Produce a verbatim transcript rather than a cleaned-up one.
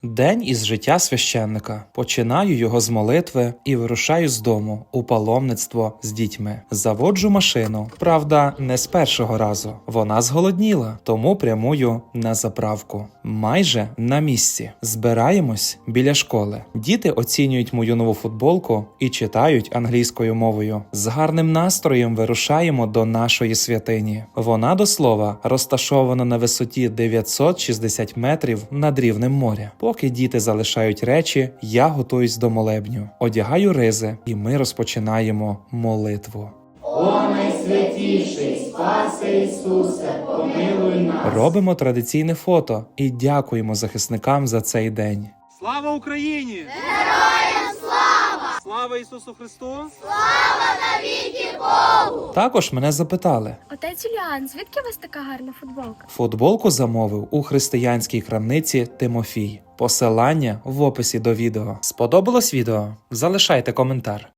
День із життя священника. Починаю його з молитви і вирушаю з дому у паломництво з дітьми. Заводжу машину. Правда, не з першого разу. Вона зголодніла, тому прямую на заправку. Майже на місці. Збираємось біля школи. Діти оцінюють мою нову футболку і читають англійською мовою. З гарним настроєм вирушаємо до нашої святині. Вона, до слова, розташована на висоті дев'ятсот шістдесят метрів над рівнем моря. Поки діти залишають речі, я готуюсь до молебню. Одягаю ризи, і ми розпочинаємо молитву. О найсвятіший, спаси Ісусе, помилуй нас. Робимо традиційне фото і дякуємо захисникам за цей день. Слава Україні! Героям слава! Слава Ісусу Христу! Також мене запитали. Отець Юліан, звідки у вас така гарна футболка? Футболку замовив у християнській крамниці Тимофій. Посилання в описі до відео. Сподобалось відео? Залишайте коментар.